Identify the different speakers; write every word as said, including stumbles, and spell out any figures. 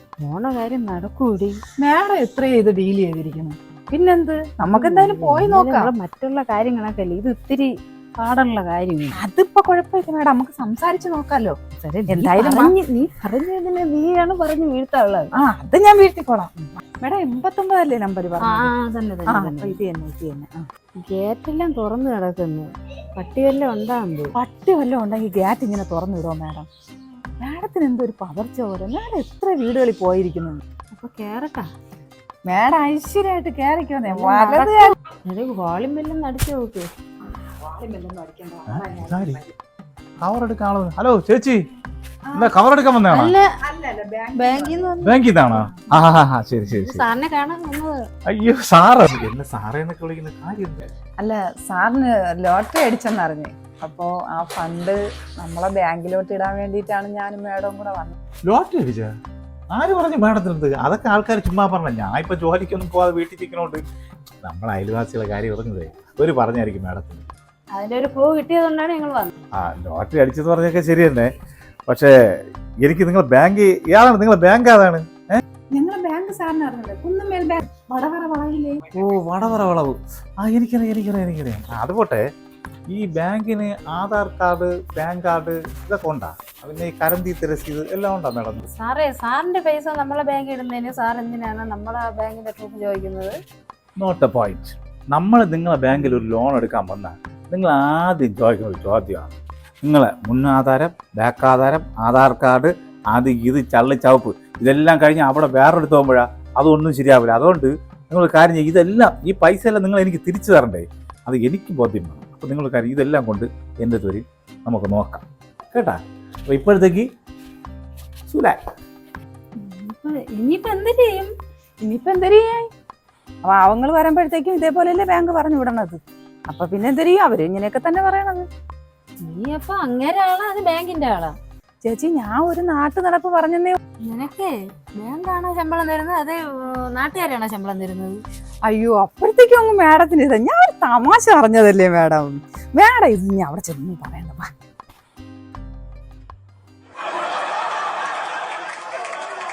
Speaker 1: പോണ കാര്യം നടക്കൂടി.
Speaker 2: മേഡം എത്ര ഇത് ഡീൽ ചെയ്തിരിക്കുന്നു. പിന്നെന്ത്, നമുക്ക് എന്തായാലും പോയി നോക്കാം.
Speaker 1: മറ്റുള്ള കാര്യങ്ങളൊക്കെ അല്ലേ, ഇത് ഇത്തിരി പാടുള്ള കാര്യം.
Speaker 2: അതിപ്പോ കുഴപ്പമില്ല മേഡം, നമുക്ക് സംസാരിച്ച് നോക്കാലോ.
Speaker 1: എന്തായാലും നീ പറഞ്ഞതിന് നീയാണ് പറഞ്ഞു വീഴ്ത്താനുള്ളത്.
Speaker 2: ആ അത് ഞാൻ വീഴ്ത്തിക്കോളാം മേഡം. എൺപത്തൊമ്പതല്ലേ നമ്പർ പറഞ്ഞു? ഇത് തന്നെ ഇത് തന്നെ.
Speaker 1: ഗേറ്റെല്ലാം തുറന്നു കിടക്കുന്നു. പട്ടി വല്ലതും ഉണ്ടാകുമ്പോ
Speaker 2: പട്ടി വല്ലതും ഉണ്ടെങ്കിൽ ഗേറ്റ് ഇങ്ങനെ തുറന്നു വിടുമോ മേഡം? മേഡത്തിന് എന്തൊരു പകർച്ച പോലെ. മേഡം എത്ര വീടുകളിൽ പോയിരിക്കുന്നു.
Speaker 1: അപ്പൊ കേറട്ടാ
Speaker 2: മേഡം? ഐശ്വര്യമായിട്ട് കേറിക്കോന്നേ.
Speaker 1: വാളിം വല്ലതും അടിച്ചു നോക്ക്.
Speaker 3: ഹലോ ചേച്ചി, എന്താ കവർ എടുക്കാൻ വന്നതാണോ? ബാങ്കിൽ നിന്നാണോ? ആ ശരി ശരി ശരി.
Speaker 1: സാറിനെ കാണാൻ വന്നത്.
Speaker 3: അയ്യോ സാറ് എന്നെ സാറേ എന്നൊക്കെ വിളിക്കുന്ന കാര്യം.
Speaker 2: അല്ല, സാറിന് ലോട്ടറി അടിച്ചെന്നറിഞ്ഞേ. അപ്പോ ആ ഫണ്ട് നമ്മളെ ബാങ്കിലോട്ട് ഇടാൻ വേണ്ടിയിട്ടാണ് ഞാനും മേഡവും കൂടെ വന്നത്.
Speaker 3: ലോട്ടറി അടിച്ച ആര് പറഞ്ഞു മേഡത്തിനടുത്ത്? അതൊക്കെ ആൾക്കാർ ചുമ്മാ പറഞ്ഞ. ഞാൻ ഇപ്പൊ ജോലിക്കൊന്നും പോവാതെ വീട്ടിൽ ഇരിക്കണോണ്ട് നമ്മളെ അയൽവാസികളെ കാര്യം പറഞ്ഞതേ ഒരു പറഞ്ഞായിരിക്കും മേഡത്തിന്.
Speaker 1: അതിന്റെ ഒരു പ്രൂവ് കിട്ടിയതുകൊണ്ടാണ് ഞങ്ങൾ വന്നത്.
Speaker 3: ആ ലോട്ടറി അടിച്ചെന്ന് പറഞ്ഞൊക്കെ ശരി തന്നെ. പക്ഷേ എനിക്ക് നിങ്ങളെ ബാങ്ക് ഏതാണ്? നിങ്ങളെ ബാങ്ക് ഏതാണ്?
Speaker 2: ഞങ്ങളെ ബാങ്ക് സാറിന് അറിഞ്ഞത് കുന്നമേൽ ബാങ്ക്, വടവറ വളവിലെ.
Speaker 3: ഓ വടവറ വളവ്. ആ എനിക്കറിയാം എനിക്കറിയാം എനിക്കറിയാം. അത് പോട്ടെ, ഈ ബാങ്കിന് ആധാർ കാർഡ്, പാൻ കാർഡ് ഇതൊക്കെ ഉണ്ടാ? പിന്നെ ഈ കറൻസി രസീത് എല്ലാം ഉണ്ടാ മേഡം?
Speaker 1: സാറേ, സാറിന്റെ പൈസ നമ്മളെ ബാങ്കിൽ ഇടുന്നതിന് സാർ എന്തിനാണ് നമ്മളെ ബാങ്കിന്റെ പ്രൂഫ് ചോദിക്കുന്നത്?
Speaker 3: Not a point. നമ്മൾ നിങ്ങളെ ബാങ്കിൽ ഒരു ലോൺ എടുക്കാൻ വന്നാൽ നിങ്ങൾ ആദ്യം ചോദിക്കുന്ന ഒരു ചോദ്യമാണ് നിങ്ങളെ മുന്നാധാരം, ബാക്ക് ആധാരം, ആധാർ കാർഡ്, അത് ഇത് ചള്ളി ചവപ്പ് ഇതെല്ലാം കഴിഞ്ഞ് അവിടെ വേറെടുത്ത് പോകുമ്പോഴാണ് അതൊന്നും ശരിയാവില്ല. അതുകൊണ്ട് നിങ്ങൾ കാര്യം ചെയ്യും, ഇതെല്ലാം ഈ പൈസ എല്ലാം നിങ്ങൾ എനിക്ക് തിരിച്ചു തരണ്ടേ? അത് എനിക്ക് ബോധ്യം വേണം. അപ്പോൾ നിങ്ങൾ കാര്യം ഇതെല്ലാം കൊണ്ട് എൻ്റെ തൊരി നമുക്ക് നോക്കാം കേട്ടാ. അപ്പോൾ ഇപ്പോഴത്തേക്ക് സുലാ
Speaker 1: ഇനിയിപ്പോ എന്ത് ചെയ്യും?
Speaker 2: ഇനിയിപ്പോ എന്ത് ചെയ്യാൻ? പാവങ്ങൾ വരുമ്പോഴത്തേക്കും ഇതേപോലെയല്ലേ ബാങ്ക് പറഞ്ഞു വിടണത്. അപ്പൊ പിന്നെ എന്ത് ചെയ്യും? അവര് ഇങ്ങനെയൊക്കെ തന്നെ പറയണത്.
Speaker 1: നീ അപ്പൊ അങ്ങനെ ആളാ, അത് ബാങ്കിന്റെ ആളാ?
Speaker 2: ചേച്ചി, ഞാൻ ഒരു നാട്ടു നടപ്പ് പറഞ്ഞേ.
Speaker 1: നിനക്ക് ബാങ്കാണോ ശമ്പളം തരുന്നത്, അതേ നാട്ടുകാരാണോ ശമ്പളം തരുന്നത്?
Speaker 2: അയ്യോ, അപ്പോഴത്തേക്കും അങ്ങ് മേഡത്തിന് ഇത് ഞാൻ ഒരു തമാശ പറഞ്ഞതല്ലേ മേഡം. മേഡം ഇത് ഞാൻ അവിടെ ചെന്ന് പറയണ്ട.